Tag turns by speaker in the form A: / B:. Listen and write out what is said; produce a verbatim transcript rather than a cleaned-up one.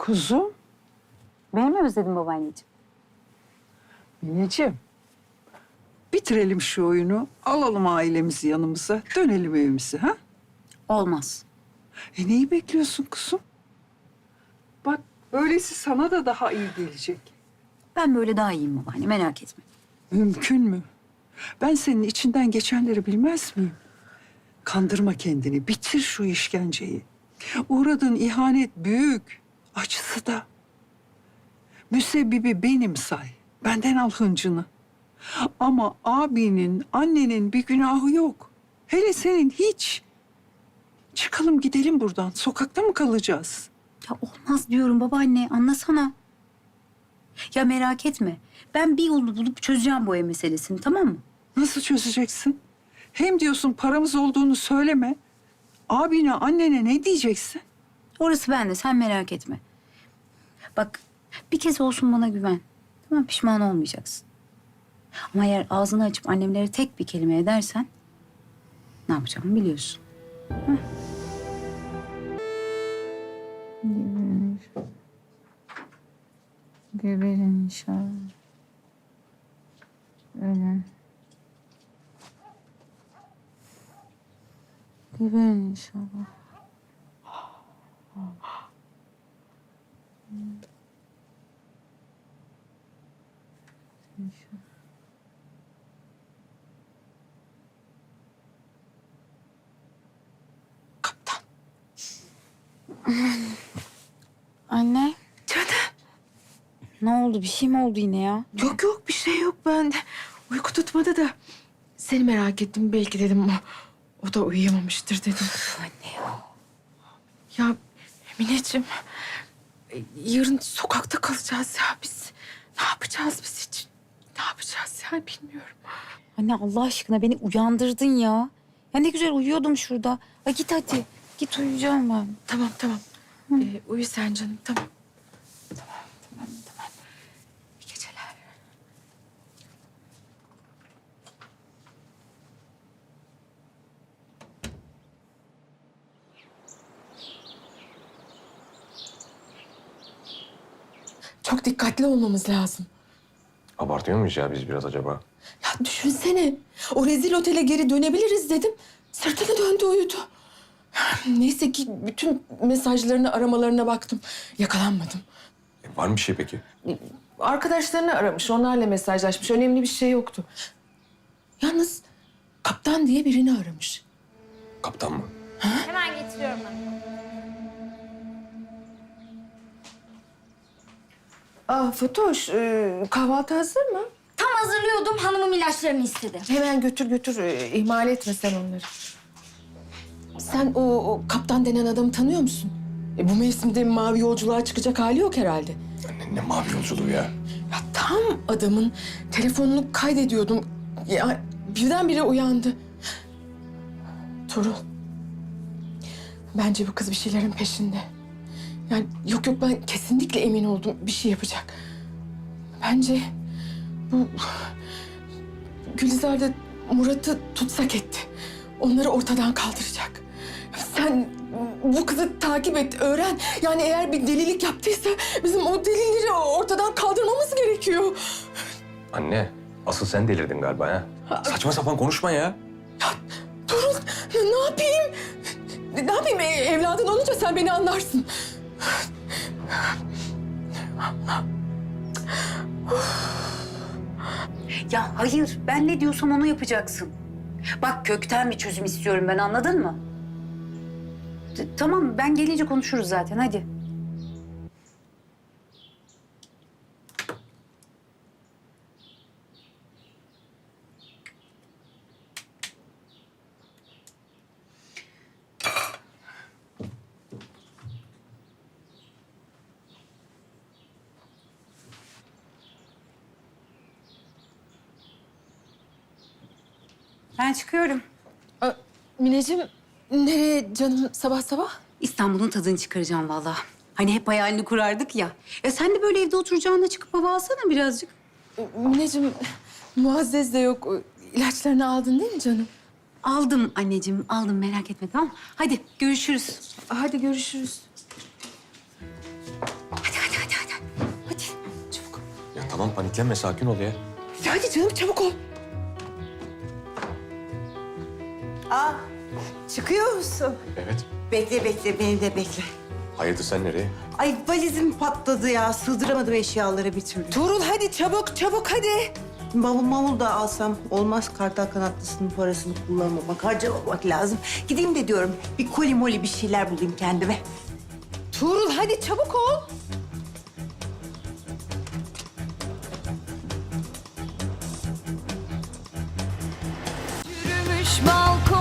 A: Kuzum.
B: Beni mi özledin babaanneciğim?
A: Mineciğim. Bitirelim şu oyunu. Alalım ailemizi yanımıza. Dönelim evimize ha?
B: Olmaz.
A: E neyi bekliyorsun kuzum? Bak böylesi sana da daha iyi gelecek.
B: Ben böyle daha iyiyim babaanne, merak etme.
A: Mümkün mü? Ben senin içinden geçenleri bilmez miyim? Kandırma kendini. Bitir şu işkenceyi. Uğradığın ihanet büyük. Acısı da. Müsebbibi benim say. Benden al hıncını. Ama abinin, annenin bir günahı yok. Hele senin hiç. Çıkalım gidelim buradan. Sokakta mı kalacağız?
B: Ya olmaz diyorum babaanne, anlasana. Ya merak etme. Ben bir yolunu bulup çözeceğim bu ev meselesini, tamam mı?
A: Nasıl çözeceksin? Hem diyorsun paramız olduğunu söyleme. Abine, annene ne diyeceksin?
B: Orası bende, sen merak etme. Bak, bir kez olsun bana güven. Tamam, pişman olmayacaksın. Ama eğer ağzını açıp annemlere tek bir kelime edersen... ...ne yapacağımı biliyorsun. Heh. Geberin inşallah. Öyle. Geberin inşallah.
A: Kaptan.
B: Anne,
C: Canım.
B: ne oldu? Bir şey mi oldu yine ya?
C: Yok yok bir şey yok bende. Uyku tutmadı da seni merak ettim. Belki dedim o, o da uyuyamamıştır dedim.
B: Anne ya.
C: Ya Mineciğim e, yarın sokakta kalacağız ya biz. Ne yapacağız biz hiç? Ne yapacağız ya bilmiyorum.
B: Anne Allah aşkına beni uyandırdın ya. Ya ne güzel uyuyordum şurada. Ha git hadi. Git uyuyacağım ben.
C: Tamam tamam. Ee, uyu sen canım tamam. Tamam tamam tamam. İyi geceler. Çok dikkatli olmamız lazım.
D: Abartıyor muyuz ya biz biraz acaba?
C: Ya düşünsene. O rezil otele geri dönebiliriz dedim. Sırtını döndü uyudu. Neyse ki bütün mesajlarını aramalarına baktım. Yakalanmadım.
D: E, var mı bir şey peki?
C: Arkadaşlarını aramış, onlarla mesajlaşmış. Önemli bir şey yoktu. Yalnız kaptan diye birini aramış.
D: Kaptan mı?
E: Hemen getiriyorum ben.
C: Aa Fatoş, e, kahvaltı hazır mı?
E: Tam hazırlıyordum, hanımım ilaçlarını istedi.
C: Hemen götür götür, e, ihmal etme sen onları. Sen o, o kaptan denen adamı tanıyor musun? E, bu mevsimde mavi yolculuğa çıkacak hali yok herhalde.
D: Ne, ne mavi yolculuğu ya?
C: Ya tam adamın telefonunu kaydediyordum. Ya birdenbire uyandı. Tuğrul. Bence bu kız bir şeylerin peşinde. Yani yok yok ben kesinlikle emin oldum bir şey yapacak. Bence bu Gülizar da Murat'ı tutsak etti. Onları ortadan kaldıracak. Sen bu kızı takip et, öğren. Yani eğer bir delilik yaptıysa bizim o delilleri ortadan kaldırmamız gerekiyor.
D: Anne, asıl sen delirdin galiba ha? Saçma sapan konuşma ya.
C: Ya Tuğrul ne yapayım? Ne yapayım E, evladın olunca sen beni anlarsın.
B: Ya hayır, ben ne diyorsam onu yapacaksın. Bak kökten bir çözüm istiyorum ben, anladın mı? T- tamam, ben gelince konuşuruz zaten, hadi. Ben çıkıyorum.
C: Aa, Mineciğim nereye canım sabah sabah?
B: İstanbul'un tadını çıkaracağım vallahi. Hani hep hayalini kurardık ya. Ya sen de böyle evde oturacağına çıkıp hava alsana birazcık.
C: Mineciğim Muazzez de yok. İlaçlarını aldın değil mi canım?
B: Aldım anneciğim, aldım, merak etme, tamam mı? Hadi görüşürüz.
C: Hadi görüşürüz.
D: Tamam paniklenme, sakin ol ya.
C: Hadi canım çabuk ol.
F: Aa, çıkıyor musun?
D: Evet.
F: Bekle bekle, beni de bekle.
D: Hayırdır sen nereye?
F: Ay valizim patladı ya, sığdıramadım eşyaları bir türlü.
C: Tuğrul hadi çabuk çabuk hadi.
F: Bavul mavul da alsam olmaz, kartal kanatlısının parasını kullanmamak, harcamamak lazım. Gideyim de diyorum, bir koli moli bir şeyler bulayım kendime.
C: Tuğrul hadi çabuk ol.
G: Yürümüş balkon